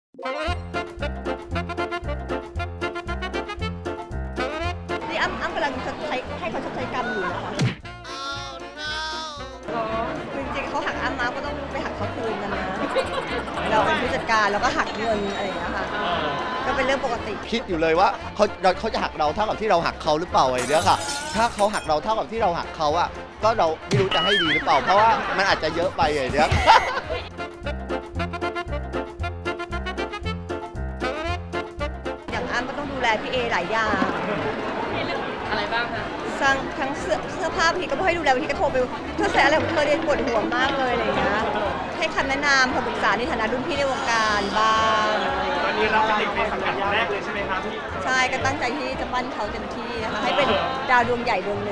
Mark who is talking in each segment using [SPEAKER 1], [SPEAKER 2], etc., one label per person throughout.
[SPEAKER 1] นี่อ้ำกำลังจะใช้ให้เขาชดใช้กรรมอยู่นะคะคือจริงๆเขาหักอ้ำมาก็ต้องไปหักเขาคืนกันนะเราเป็นผู้จัดการเราก็หักเงินอะไรอย่างเงี้ยค่ะก็เป็นเรื่องปกติ
[SPEAKER 2] คิดอยู่เลยว่าเขาจะหักเราเท่ากับที่เราหักเขาหรือเปล่าไอ้เนี้ยค่ะถ้าเขาหักเราเท่ากับที่เราหักเขาอะก็เราไม่รู้จะให้ดีหรือเปล่าเพราะว่ามันอาจจะเยอะไปไอ้เนี้ย
[SPEAKER 1] อย่างอ้ำก็ต้องดูแลพี่เอหลายอย่าง
[SPEAKER 3] อะไรบ้างคะ
[SPEAKER 1] ทั้งเสื้อผ้าบางทีก็ไม่ให้ดูแลบางทีก็โทรไปเธอใส่อะไรของเธอเรียนปวดหัวมากเลยอะไรอย่างเงี้ยให้คำแนะนำคำปรึกษาในฐานะรุ่นพี่ในวงการบ้าง
[SPEAKER 4] ตอนนี้เราเป็นเด็กในสังกัดแรกเลยใช่ไหมครับพี่
[SPEAKER 1] ใช่ก็ตั้งใจที่จะปั้นเขาเต็มที่นะคะให้เป็นดาวดวงใหญ่ดวงหนึ่ง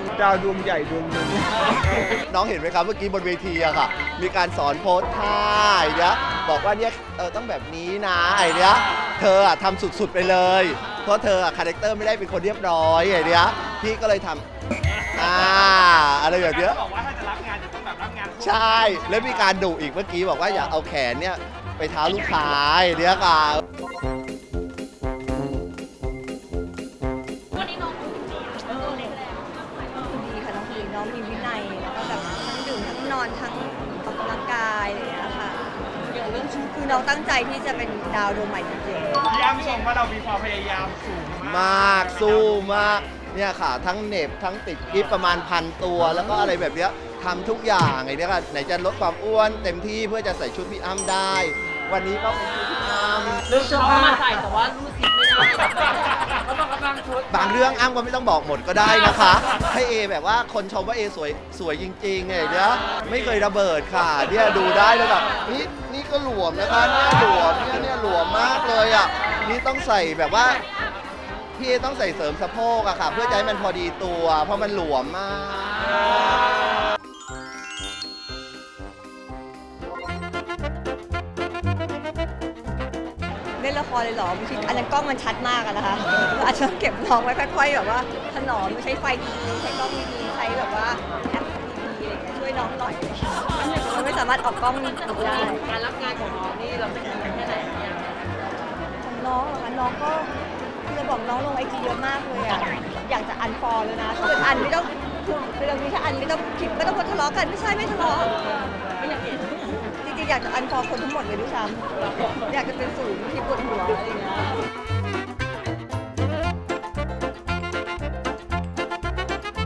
[SPEAKER 2] น้องเห็นไหมครับเมื่อกี้บนเวทีอะค่ะมีการสอนโพสท่าไอ้เนี้ยบอกว่าเนี่ยต้องแบบนี้นะไอ้เนี้ยเธออะทำสุดๆไปเลยเพราะเธออะคาแรคเตอร์ไม่ได้เป็นคนเรียบร้อยไอ้เนี้ยพี่ก็เลยทำอะไรแบบเนี้ย
[SPEAKER 4] บอกว่าถ้าจะรับงานจะต้องแบบรับงาน
[SPEAKER 2] ใช่แล้วมีการดุอีกเมื่อกี้บอกว่าอย่าเอาแขนเนี่ยไปเท้าลูกค้าไอ้เนี้ยค่ะ
[SPEAKER 1] วันนี้น้องดีค่ะน้องดีน้องมีวินัยแล้วก็แบบทั้งดื่มทั้งนอนทั้งออกกำลังกายอะไรอย่างเงี้ยค่ะอย่างเรื่องชุดคือน้องตั้งใจที่จะเป็นดาวดวงใหม่จริงๆ
[SPEAKER 4] พี่อ้ำชมว่าเรามีความพยายามสูง
[SPEAKER 2] มากสู้มากเนี่ยค่ะทั้งเหน็บทั้งติดกิฟประมาณ1,000 ตัวแล้วก็อะไรแบบเนี้ยทำทุกอย่างไอ้เนี่ยค่ะไหนจะลดความอ้วนเต็มที่เพื่อจะใส่ชุดพี่อ้ำได้ วันนี้ก็เป็นชุดพี่อ้ำ
[SPEAKER 3] เรื่องเสื้อผ้ามาใส่แต่ว่ารูดซิปไม่ได้ก็ต้องกำลังชุด
[SPEAKER 2] บางเรื่องอ้ำก็ไม่ต้องบอกหมดก็ได้นะคะให้เอแบบว่าคนชมว่าเอสวยจริงๆไงเนี่ยไม่เคยระเบิดค่ะเนี่ยดูได้แล้วแบบนี่ก็หลวมนะคะเนี่ยหลวมเนี่ยหลวมมากเลยอ่ะนี่ต้องใส่แบบว่าพี่ต้องใส่เสริมสะโพกอะค่ะเพื่อจะให้มันพอดีตัวเพราะมันหลวมมาก
[SPEAKER 1] เล่นละครเลยเหรอบางทีอันนั้นกล้องมันชัดมากอะนะคะอาจจะเก็บน้องไว้ค่อยๆแบบว่าถนอมใช้ไฟดีๆใช้กล้องดีๆใช้แบบว่าแอปดีๆช่วยน้องหน่อยมันไม่สามารถออกกล้องได้
[SPEAKER 3] การรับงานของน้องนี่เราเป็นยังไงแค่ไหนเนี่ย
[SPEAKER 1] ของน้องเหรอคะน้องก็คือเราบอกน้องลงไอจีเยอะมากเลยอะอยากจะอันฟอลเลยนะถ้าเป็นอันไม่ต้องคือเรามีถ้าอันไม่ต้องคลิปไม่ต้องทะเลาะกันไม่ใช่ไม่ทะเลาะ
[SPEAKER 3] ไม่อยากเห็น
[SPEAKER 1] จริงๆอยากจะอันฟอลคนทั้งหมดเลยด้วยซ้ำอยากจะเป็นศูนย์ที่ปวดหัวอะไรอย่างเงี้ย